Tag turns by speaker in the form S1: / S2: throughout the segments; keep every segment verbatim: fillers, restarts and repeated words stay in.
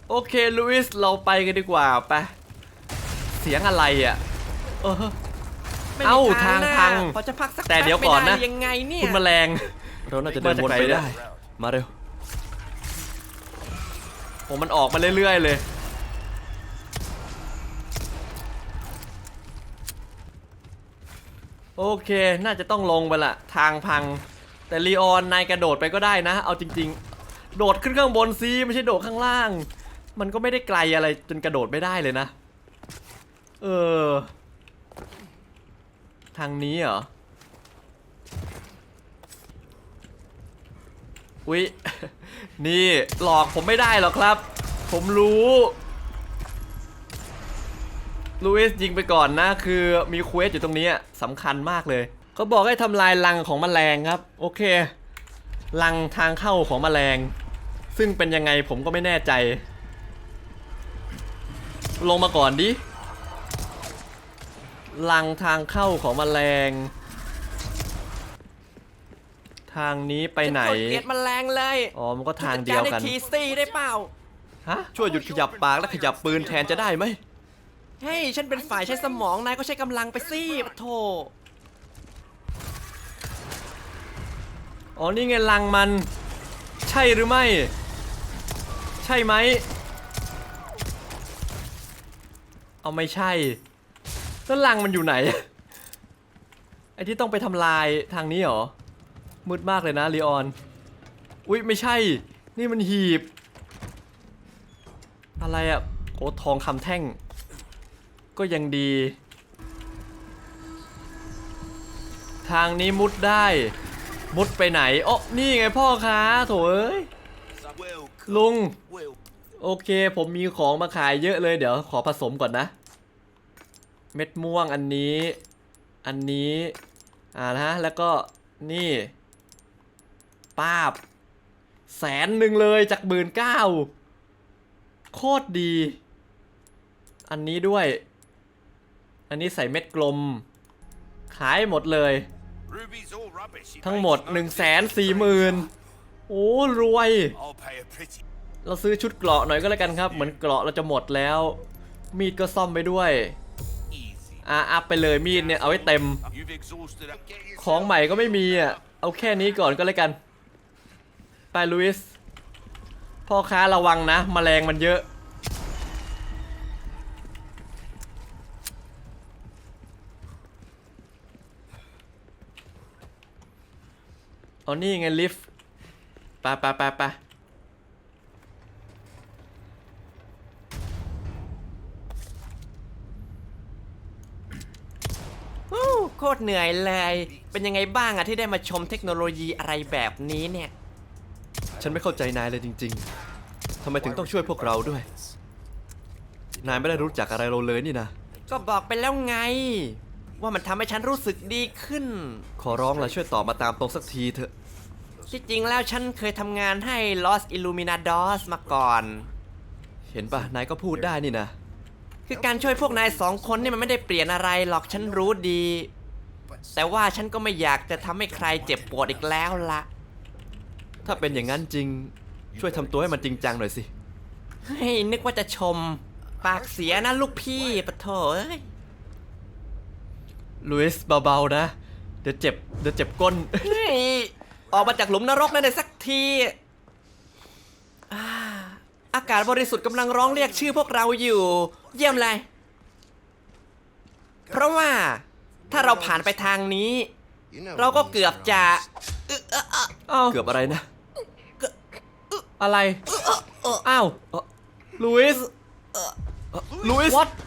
S1: โอเคลุอิสเราไปกันดีกว่าไปเสียงอะไรอ่ะเออเอ้าทางพัง
S2: พอจะพักสัก
S1: แต่เดี๋ยวก่อนนะ
S2: ยังไงเนี่ย
S1: คุณแมลงเราน่าจะเดินวนไปได้มาเร็วผมมันออกมาเรื่อยๆเลยโอเคน่าจะต้องลงไปละทางพังแต่ลีออนนายกระโดดไปก็ได้นะเอาจริงๆโดดขึ้นข้างบนซิไม่ใช่โดดข้างล่างมันก็ไม่ได้ไกลอะไรจนกระโดดไม่ได้เลยนะเออทางนี้เหรออุ๊ยนี่หลอกผมไม่ได้หรอกครับผมรู้ลูอิสยิงไปก่อนนะคือมีเควสอยู่ตรงนี้สำคัญมากเลยเขาบอกให้ทำลายรังของแมลงครับโอเครังทางเข้าของแมลงซึ่งเป็นยังไงผมก็ไม่แน่ใจลงมาก่อนดิรังทางเข้าของแมลงทางนี้ไปไหน
S2: กดเกลียดแมลงเลย
S1: อ๋อมันก็ทางเดียวกัน
S2: ทีซีได้เปล่า
S1: ฮะช่วยหยุดขยับปากและขยับปืนแทนจะได้ไหม
S2: เฮ้ยฉันเป็นฝ่ายใช้สมองนายก็ใช้กำลังไปสิปะโถ
S1: อ๋อนี่ไงรังมันใช่หรือไม่ใช่ไหมเอาไม่ใช่แล้วรังมันอยู่ไหนไอ้ที่ต้องไปทำลายทางนี้เหรอมืดมากเลยนะลีออนอุ๊ยไม่ใช่นี่มันหีบอะไรอะโอ้ทองคำแท่งก็ยังดีทางนี้มุดได้มุดไปไหนอ๋อนี่ไงพ่อค้าโถเอ้ยลุงโอเคผมมีของมาขายเยอะเลยเดี๋ยวขอผสมก่อนนะเม็ดม่วงอันนี้อันนี้อ่านะแล้วก็นี่ป้าบแสนหนึ่งเลยจากหมื่นเก้าโคตรดีอันนี้ด้วยอันนี้ใส่เม็ดกลมขายหมดเลยทั้งหมด หนึ่งแสนสี่หมื่น โอ้รวยเราซื้อชุดเกราะหน่อยก็แล้วกันครับเหมือนเกราะเราจะหมดแล้วมีดก็ซ่อมไปด้วยอ่ะอัพไปเลยมีดเนี่ยเอาไว้เต็มของใหม่ก็ไม่มีอ่ะเอาแค่นี้ก่อนก็แล้วกันไปลุอิสพ่อค้าระวังนะแมลงมันเยอะอ๋อนี่ไงลิฟต์ไปไปไปไป
S2: โคตรเหนื่อยเลยเป็นยังไงบ้างอะที่ได้มาชมเทคโนโลยีอะไรแบบนี้เนี่ย
S1: ฉันไม่เข้าใจนายเลยจริงๆทำไมถึงต้องช่วยพวกเราด้วยนายไม่ได้รู้จักอะไรเราเลยนี่นะ
S2: ก็บอกไปแล้วไงว่ามันทำให้ฉันรู้สึกดีขึ้น
S1: ขอร้องละช่วยตอบมาตามตรงสักทีเถอะ
S2: ที่จริงแล้วฉันเคยทำงานให้ Los Illuminados มาก่อน
S1: เห็นปะนายก็พูดได้นี่นะ
S2: คือการช่วยพวกนายสองคนนี่มันไม่ได้เปลี่ยนอะไรหรอกฉันรู้ดีแต่ว่าฉันก็ไม่อยากจะทำให้ใครเจ็บปวดอีกแล้วละ
S1: ถ้าเป็นอย่างนั้นจริงช่วยทำตัวให้มันจริงจังหน่อยสิ
S2: เฮ้ยนึกว่าจะชมปากเสียนะลูกพี่ปะโถเอ้ย
S1: ลุอิสเบาๆนะเดี๋ยวเจ็บเดี๋ยวเจ็บก้น
S2: เฮ้ยออกมาจากหลุมนรกนั่นเลยสักทีอากาศบริสุทธิ์กำลังร้องเรียกชื่อพวกเราอยู่เยี่ยมเลยเพราะว่าถ้าเราผ่านไปทางนี้เราก็เกือบจะ
S1: เกือบอะไรนะอะไรอ้าวลุอิสลุอิส what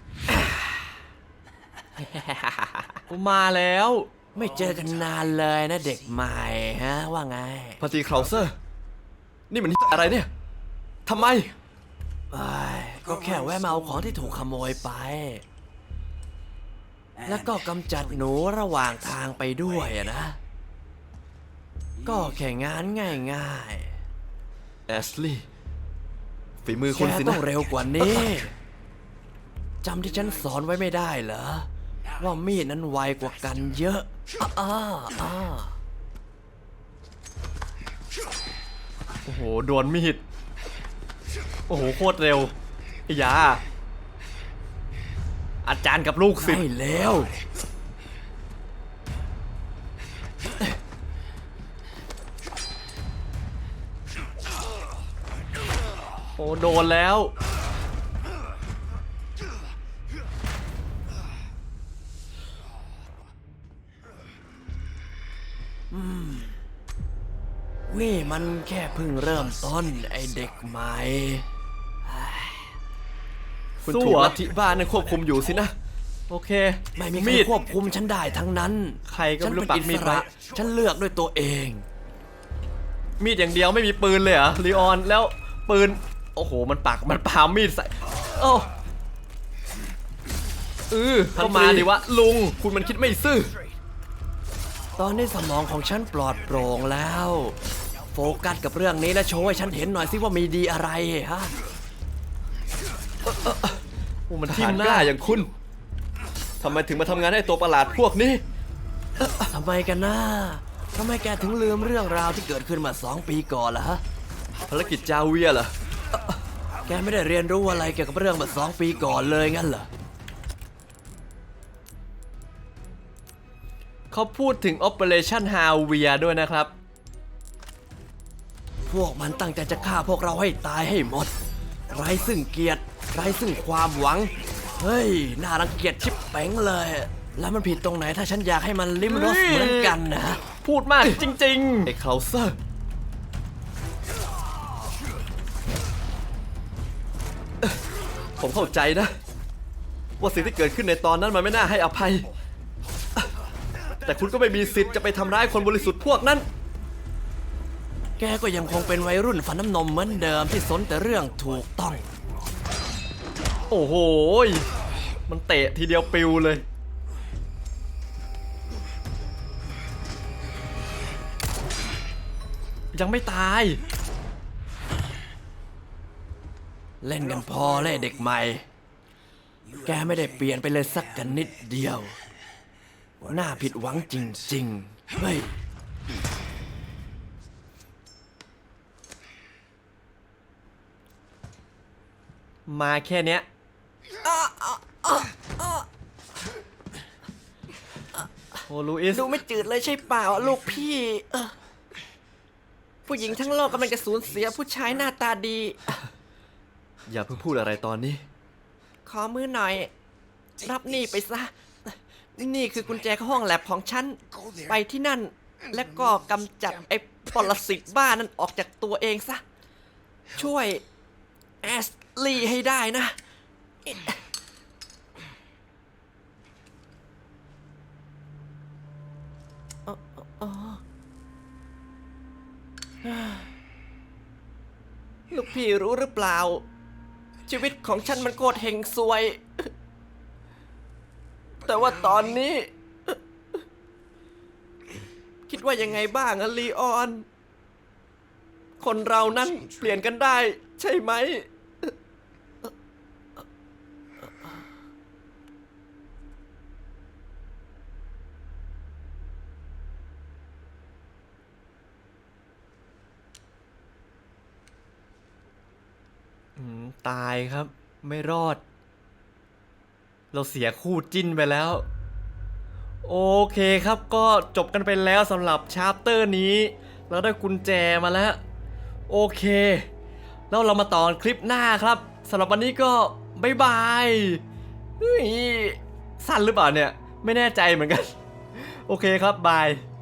S1: มาแล้ว
S2: ไม่เจอกันนานเลยนะเด็กใหม่ฮะว่าไง
S1: พาตีคราวเซอร์นี่มันอะไรเนี่ยทำไม
S2: ก็แค่แวะมาเอาของที่ถูกขโมยไปแล้วก็กำจัดหนูระหว่างทางไปด้วยนะก็แค่งานง่าย
S1: ๆแอชลีย์ฝีมือคุณสินะ
S2: ต้องเร็วกว่านี้จำที่ฉันสอนไว้ไม่ได้เหรอว่ามีดนั้นไวกว่ากันเยอะอ้าอ้า
S1: โอ้โหโดนมีดโอ้โหโคตรเร็วไอ้ยาอาจารย์กับลูกศิษย์
S2: ใช่แล้ว
S1: โอ้โดนแล้ว
S2: นี่มันแค่เพิ่งเริ่มต้นไอเด็กใหม่
S1: คุณ
S2: สู้
S1: ถูก
S2: เหรอ
S1: ลัทธิบ้านนั้นควบคุมอยู่สินะโอเค
S2: ไม่มีใคร
S1: มีด
S2: ควบคุมฉันได้ทั้งนั้น
S1: ใครก็ไม่รู้
S2: ฉันเป็น
S1: ปั
S2: อิ
S1: กมี
S2: ส
S1: ดไว้
S2: ระฉันเลือกด้วยตัวเอง
S1: มีดอย่างเดียวไม่มีปืนเลยเหรอลีออนแล้วปืนโอ้โหมันปักมันปามีดใส่โอ้เออเข้ามาดิวะลุงคุณมันคิดไม่ซื่อ
S2: ตอนนี้สมองของฉันปลอดโปร่งแล้ว โฟกัสกับเรื่องนี้และโชว์ให้ฉันเห็นหน่อยสิว่ามีดีอะไรฮะ
S1: โอ้มันทิ่มหน้าอย่างคุณทำไมถึงมาทำงานให้ตัวประหลาดพวกนี้
S2: ทำไมกันนะทำไมแกถึงลืมเรื่องราวที่เกิดขึ้นมาสองปีก่อนล่ะฮะ
S1: ภารกิจจาเวียเหรอ
S2: แกไม่ได้เรียนรู้อะไรเกี่ยวกับเรื่องมาสองปีก่อนเลยงั้นเหรอ
S1: เขาพูดถึง Operation Havia ด้วยนะครับ
S2: พวกมันตั้งใจจะฆ่าพวกเราให้ตายให้หมด ไร้ซึ่งเกียรติ ไร้ซึ่งความหวัง เฮ้ย น่ารังเกียจชิบเป๋งเลย แล้วมันผิดตรงไหนถ้าฉันอยากให้มันลิ้มรสเหมือนกันนะ
S1: พูดมากจริงๆไอ้เคาเซอร์ผมเข้าใจนะ ว่าสิ่งที่เกิดขึ้นในตอนนั้นมันไม่น่าให้อภัย แต่คุณก็ไม่มีสิทธิ์จะไปทำร้ายคนบริสุทธิ์พวกนั้น
S2: แกก็ยังคงเป็นวัยรุ่นฟันน้ำนมเหมือนเดิมที่สนแต่เรื่องถูกต้อง
S1: โอ้โหยมันเตะทีเดียวปิวเลย ยังไม่ตาย
S2: เล่นกันพอเลยเด็กใหม่ แกไม่ได้เปลี่ยนไปเลยสักกันนิดเดียว น่าผิดหวังจริงๆ เฮ้ย
S1: มาแค่เนี้ยโอ้ลูอิส
S2: ดูไม่จืดเลยใช่เปล่าลูกพี่เออผู้หญิงทั้งโลกกำลังจะสูญเสียผู้ชายหน้าตาดี
S1: อย่าเพิ่งพูดอะไรตอนนี้
S2: ขอมือหน่อย รับนี่ไปซะ นี่คือกุญแจเข้าห้องแลบของฉัน ไปที่นั่น และก็กำจัดไอ้ปรสิตบ้านั่นออกจากตัวเองซะ ช่วยแอสลีย์ให้ได้นะ ลูกพี่รู้หรือเปล่า ชีวิตของฉันมันโคตรเฮงซวย แต่ว่าตอนนี้ คิดว่ายังไงบ้างอะลีออน คนเรานั้นเปลี่ยนกันได้ใช่ไหม
S1: อืมตายครับไม่รอด เราเสียคู่จิ้นไปแล้ว โอเคครับก็จบกันไปแล้วสำหรับชาร์ปเตอร์นี้ เราได้กุญแจมาแล้ว โอเค แล้วเรามาต่อคลิปหน้าครับสำหรับวันนี้ก็บ๊ายบายเฮ้ยสั้นหรือเปล่าเนี่ย ไม่แน่ใจเหมือนกัน โอเคครับบาย